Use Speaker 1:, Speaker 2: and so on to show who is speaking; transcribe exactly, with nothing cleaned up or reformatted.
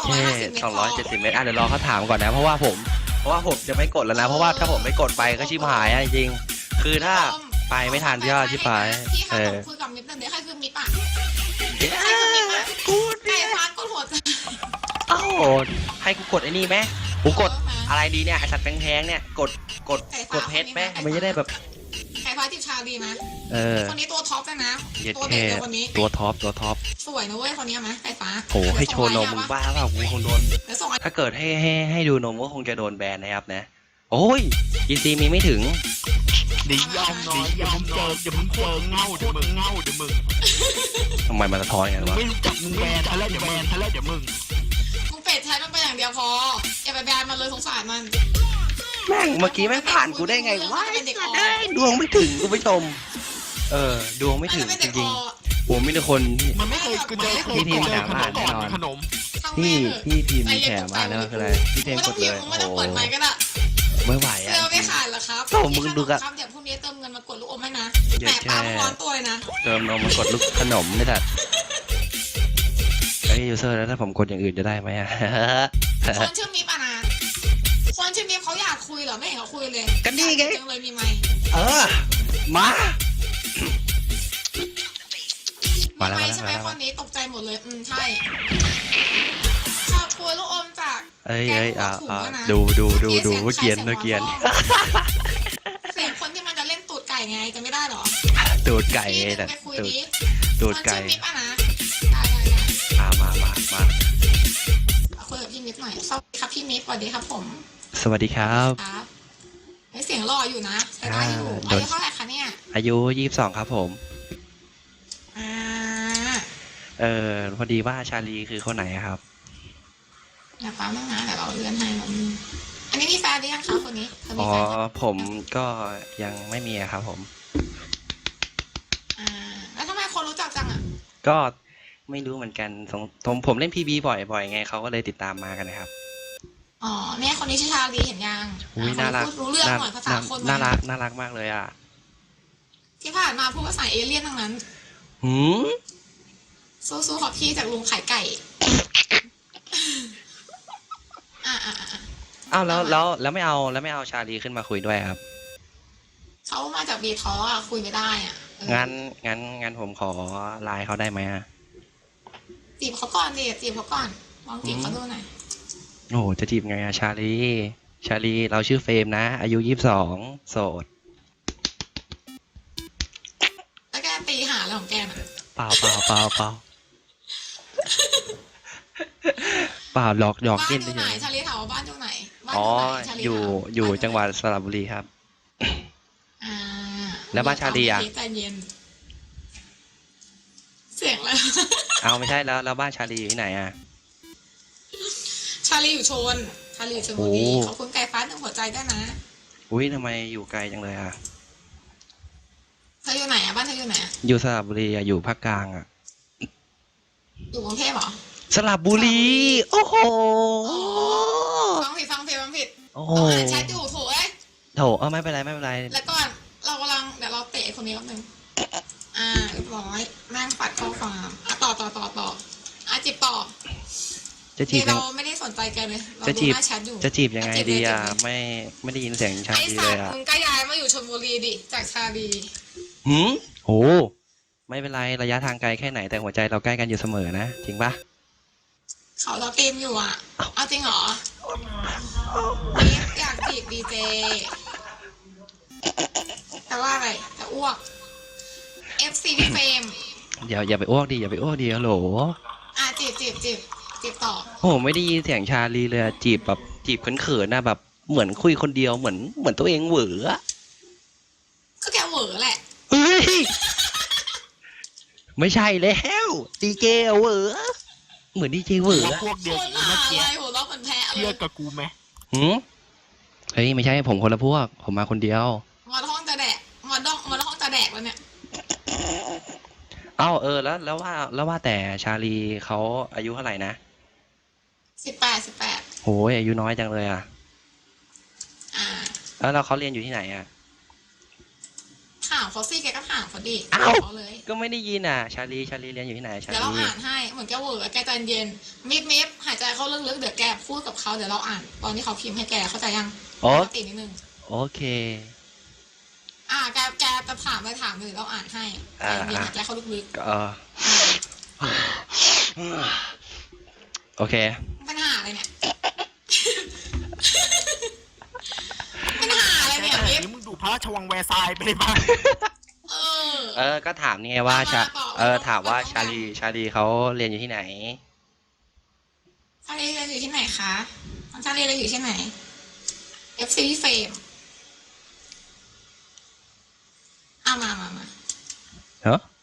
Speaker 1: เค สองร้อยเจ็ดสิบ
Speaker 2: เม
Speaker 1: เม
Speaker 2: ต
Speaker 1: ต
Speaker 2: ร
Speaker 1: รอ่ะเดี๋ยวรอเขาถามก่อนนะเพราะว่าผมเพราะว่าผมจะไม่กดแล้วนะเพราะว่าถ้าผมไม่กดไปก็ชิบหายอ่ะจริงๆคือถ้าไปไม่ทันพี่ก็ชิบหาย
Speaker 2: พี่
Speaker 1: เอ
Speaker 2: ค่ะ
Speaker 1: อ
Speaker 2: คุยกับมิตรเดี๋ยวใครคือมิตรอ่ะ
Speaker 1: เดี๋ยว
Speaker 2: ใครคือมิตรอ่ะ
Speaker 1: กู
Speaker 2: ไก่ฟ้ากดหัวใจ
Speaker 1: เอ้าให้กูกดไอ้นี่ไหมกูกดอะไรดีเนี่ยไอสัตว์แพงๆเนี่ยกดกดกดเพชรไหมมันจะได้แบบ
Speaker 2: ไก่ฟ้าจิบชาดีไหม
Speaker 1: เออ
Speaker 2: คนนี้ตัวท็อปเลยนะ
Speaker 1: เย็ด
Speaker 2: ตัว
Speaker 1: แค่
Speaker 2: เด็กเลยคนนี้
Speaker 1: ตัวท็อปตัวท็อป
Speaker 2: สวยนะเว้ยคนนี้ไหมไก่ฟ้า
Speaker 1: โหให้โชว์นมมึงบ้าเปล่ากูคงโดน
Speaker 2: เดี๋ยวส่งไอ้
Speaker 1: ถ้าเกิดให้ให้ให้ดูนมก็คงจะโดนแบนนะครับนะโอ้ยอีซีมีไม่ถึง
Speaker 3: เดี๋ยวยอมน้อยยอมเจอเดี๋ยวมึงเจอเงาเดี๋ยวมึงเงาเดี๋ยวมึง
Speaker 1: ทำไมมันสะท้อนอย่างนั้นวะ
Speaker 3: ไม่รู้จักมึงแบนทะเลเดี๋ยวแบนทะเลเดี๋ยวมึง
Speaker 2: มึงเป็ดใช้มันไปอย่างเดียวพออย่าไปแบนมันเลยสงสารมัน
Speaker 1: แม่งเมื่อกี้แม่งผ่านกูได้ไงวะไอ้สัตว์เอ้ยดวงไม่ถึงกูผู้ชมเออดวงไม่ถึงจริงๆผมมีแต่คนที่
Speaker 3: มันไม่เคยกูเจอไม่เคย
Speaker 1: พี่ทีม
Speaker 3: เจอ
Speaker 1: ถาม
Speaker 3: ขน
Speaker 1: หาม แน่นอน
Speaker 3: ขนม
Speaker 1: พี่พี่ทีมมีแถมมาแล้วคืออะไรพี่เทมกดเลย
Speaker 2: ไม่
Speaker 1: โอ้
Speaker 2: ต้อง
Speaker 1: โห
Speaker 2: เปิดไมค์ก็ได้
Speaker 1: ไม่ไหวอ่ะ
Speaker 2: เสื้อไม่ขาดเหรอครับ
Speaker 1: โอ้มึงดูกะ
Speaker 2: ครับเดี๋ยวพรุ่งนี้เติมเงินมากดลูกอมให้นะ
Speaker 1: เย็
Speaker 2: แต่
Speaker 1: ดแค่
Speaker 2: ปลาร้อนตัวเลยนะ
Speaker 1: เติมนมมากดลูกขนมไม่ตัดไอ้ยูเซอร์แล้วถ้าผมกดอย่างอื่นจะได้ไหมอ่ะ
Speaker 2: คนชื่อมิปอะนะคนชื่อมิปเขาอยากคุยเหรอไม่เห็นเขาคุยเลย
Speaker 1: ก็นี่ไง
Speaker 2: จังเลยมีไหมค์
Speaker 1: เออมา
Speaker 2: มี
Speaker 1: มาแล้ว
Speaker 2: ไหม
Speaker 1: มา
Speaker 2: ค์ใช่ไหม
Speaker 1: แล้ว
Speaker 2: คนนี้ตกใจหมดเลยอืมใช่ขอบคุณลูกอมจาก
Speaker 1: เอ้ย
Speaker 2: แกง
Speaker 1: เอ้ย
Speaker 2: หัว
Speaker 1: อ่า
Speaker 2: ถุง
Speaker 1: อ่า
Speaker 2: อะนะ
Speaker 1: ดูดูดูดู
Speaker 2: เมื่อ
Speaker 1: เกียน
Speaker 2: สีง
Speaker 1: เมื่อเกียน
Speaker 2: เสียงคนที่มันจะเล่นตูดไก่ไงจะไม่ได้เหรอ
Speaker 1: ตูดไก่
Speaker 2: พี่
Speaker 1: ไง
Speaker 2: ดึ
Speaker 1: แต่
Speaker 2: งไปคุย
Speaker 1: ตูด
Speaker 2: ดิ
Speaker 1: ตูดไก่
Speaker 2: คนชื่อมิปอะนะได้ได้ได้
Speaker 1: อ่ามามามา
Speaker 2: คุยกับพี่มิปหน่อยสวัสดีครับพี่มิปสวัสดีครับผม
Speaker 1: สวัสดีครับ
Speaker 2: ครับเฮ้ยเสียงหล่ออยู่นะใช้ได้อยู่
Speaker 1: อ่า
Speaker 2: อายุเท่าไหร่คะเนี่ย
Speaker 1: อายุยี่สิบสองครับผม
Speaker 2: อ่า
Speaker 1: เออพอดีว่าชาลีคือคนไหนอะครับ
Speaker 2: อย่าฟ้ามั่งนะเดี๋ยวเราเลื่อนให้มันอันนี้มีแฟนหรือยังคะคนนี้เธอมี
Speaker 1: อ๋อ
Speaker 2: แฟนยัง
Speaker 1: ผมก็ยังไม่มีอะครับผม
Speaker 2: อ่าแล้วทำไมคนรู้จักจังอ่ะ
Speaker 1: ก็ไม่รู้เหมือนกันสงผมผมเล่นพีบีบ่อยบ่อยไงเขาก็เลยติดตามมากันนะครับ
Speaker 2: อ๋อเนี่ยคนนี้ชื่อชาลีเห็นยัง
Speaker 1: อุ้ย
Speaker 2: อ่ะ
Speaker 1: น่ารัก
Speaker 2: พูดรู้เรื่องหน่อยภาษาคน
Speaker 1: น่ารักน่ารักมากเลยอ่ะ
Speaker 2: ที่ผ่านมาพูดภาษาเอเลี่ยนทั้งนั้น
Speaker 1: หืม
Speaker 2: สู้ๆขอบพี่จากลุงขายไก่ อ่าอ่าอ่า
Speaker 1: อ้าวแล้วแล้วแล้วไม่เอาแล้วไม่เอาชาลีขึ้นมาคุยด้วยครับ
Speaker 2: เขามาจากบีท้ออ่ะคุยไม่ได้อ่ะเออ
Speaker 1: งั้นงั้นงั้นผมขอไลน์เขาได้ไหมอะ
Speaker 2: จีบเขาก่อนดิจีบเขาก่อนลองจีบเขาดูหน่อย
Speaker 1: โอ้โหจะจีบไงอะชาลี ชาลีเราชื่อเฟรมนะ อายุยี่สิบสองโสด
Speaker 2: แล้วแกตีหาอะไรของแกน่ะ
Speaker 1: เปล่าเปล่าเปล่าเปล่าเปล่าหลอกหยอก
Speaker 2: บ้าน
Speaker 1: เล่น
Speaker 2: อ
Speaker 1: ได้
Speaker 2: ยู่ไหน
Speaker 1: ยัง
Speaker 2: ชาลีถามว่าบ้านอยู่ไหนบ้าน
Speaker 1: อ๋อ
Speaker 2: อยู่ไหนชาลี
Speaker 1: อยู่
Speaker 2: ถาม
Speaker 1: อยู่
Speaker 2: บ้าน
Speaker 1: จังหวัดสระบุรีครับ
Speaker 2: อ่า
Speaker 1: แล้วบ้านชาลีอะ
Speaker 2: ใจเย็น เสียงแล้ว
Speaker 1: เอาไม่ใช่แล้วแล้วบ้านชาลีอยู่ที่ไหนอะ
Speaker 2: ชาลีอยู่ชน ชาลีอยู่ชลบุรี
Speaker 1: โอ้
Speaker 2: ขอบคุณไก่ฟ้าหนึ่งหัวใจด้วยนะ
Speaker 1: อุ้ยทำไมอยู่ไกลจังเลยอะ
Speaker 2: เธออยู่ไหนอะบ้านเธออยู่ไหนอะ
Speaker 1: อยู่สระบุรีอะอยู่ภาคกลางอะ
Speaker 2: อยู่กรุงเทพเหรอ
Speaker 1: สระบุรี โอ้โห
Speaker 2: ฟังผิดฟังผิดฟังผิด
Speaker 1: โอ้โห
Speaker 2: เราอ่านแชทอยู่โถเอ้ย
Speaker 1: โถเออไม่เป็นไรไม่เป็นไร
Speaker 2: แล้วก่อนเรากำลังเดี๋ยวเราเตะคนนี้แป๊บนึงอ่าเรียบร้อยแม่งปัดข้อความอ่ะต่อต่อต่อต่ออ่ะจีบต่อ
Speaker 1: จะจี
Speaker 2: นี่
Speaker 1: บยั
Speaker 2: เรา
Speaker 1: ง
Speaker 2: ไม่ได้สนใจแกเลยเรา
Speaker 1: จะ
Speaker 2: ดู
Speaker 1: จีบ
Speaker 2: หน้าแชทอยู่
Speaker 1: จะจีบยังไง
Speaker 2: จีบ
Speaker 1: ดี
Speaker 2: เลย
Speaker 1: อะ
Speaker 2: จีบเลย
Speaker 1: ไม่ไม่ได้ยินเสียงชา
Speaker 2: ไอ้
Speaker 1: ลี
Speaker 2: สั
Speaker 1: เล
Speaker 2: ต
Speaker 1: ย
Speaker 2: ว์
Speaker 1: อะ
Speaker 2: มึงก็ย้ายมาอยู่ชลบุรีดิจากชาลี
Speaker 1: หืมโหไม่เป็นไรระยะทางไกลแค่ไหนแต่หัวใจเราใกล้กันอยู่เสมอนะจริงปะ
Speaker 2: เขาเราเต็มอยู่อ่ะ เอาจริงเหรอนี่อยากจีบดีเจแต่ว่าอะไรจะอ้วก เอฟ ซี พี่เฟรม
Speaker 1: อย่าอย่าไปอ้วกดิอย่าไปอ้วกดิฮัลโหล
Speaker 2: อ่ะจีบจีบจีบจีบต่อ
Speaker 1: โอ้โหไม่ได้ยินเสียงชาลีเลยอะจีบแบบจีบเขินๆนะแบบเหมือนคุยคนเดียวเหมือนเหมือนตัวเองเหวออะ
Speaker 2: ก็แกเหวอแหละ
Speaker 1: เฮ้ยไม่ใช่แล้วดีเจเหวอเหมือนดีเจเหวอ
Speaker 3: ว่าพวกเดียว
Speaker 2: คน
Speaker 3: กัน
Speaker 2: หา
Speaker 3: เมื่อ
Speaker 2: อะ
Speaker 3: กี้
Speaker 2: ไรหัวเราะเหมือนแพ้เล
Speaker 3: เชื่อย กับกูไหม
Speaker 1: หืมเฮ้ยไม่ใช่ผมคนละพวก ผมมาคนเดียว
Speaker 2: มาห้องจะแดกมาดองมาห้องจะแดกแล้วเนี่ย
Speaker 1: เอ้าเออแล้วแล้วว่าแล้วว่าแต่ชาลีเขาอายุเท่าไหร่นะ
Speaker 2: สิบแปดสิบแปด
Speaker 1: โหยอายุน้อยจังเลยอ่ะ
Speaker 2: อ่า
Speaker 1: แล้วเราเขาเรียนอยู่ที่ไหนอ่ะ
Speaker 2: คถามเขาสิแกก็ถามเขาดิ
Speaker 1: อ้าว
Speaker 2: เขาเลย
Speaker 1: ก็ไม่ได้ยินอ่ะ ชาลีชาลีเรียนอยู่ที่ไหนชา
Speaker 2: เดี๋ยวเรา
Speaker 1: ลี
Speaker 2: อ่านให้เหมือนแกเวอร์แกใจเย็นมิบมิบหายใจเข้าลึกๆเดี๋ยวแกพูดกับเขาเดี๋ยวเราอ่าน ตอนที่เขาพิมพ์ให้แกเข้าใจยัง
Speaker 1: โอ
Speaker 2: ปกตินิดนึง
Speaker 1: โอเค
Speaker 2: อ่าแกแกจะถามไปถามเลยเราอ่านให้ใจเย็นหายใจเข้าลึก
Speaker 1: ก็โอเค
Speaker 2: ๆปัญหาอะไรเนี่ย ปัญหาอะไรเนี่ย
Speaker 3: แต่
Speaker 2: มิบ
Speaker 3: นี้มึงดูพระราชวังแวร์ซายน์ไปเลยบ้าง
Speaker 2: เออ
Speaker 1: เออ ก็ถามนี่ไงว่าชา
Speaker 2: เอามาต่อ
Speaker 1: เออ ถามว่า
Speaker 2: เอามา
Speaker 1: ชาลี ชาลีเขาเรียนอยู่ที่ไหน
Speaker 2: ชาลีเรียนอยู่ที่ไหนคะชาลีเรียนอยู่ที่ไหน เอฟ ซี เฟมเอามามามา
Speaker 1: เฮ้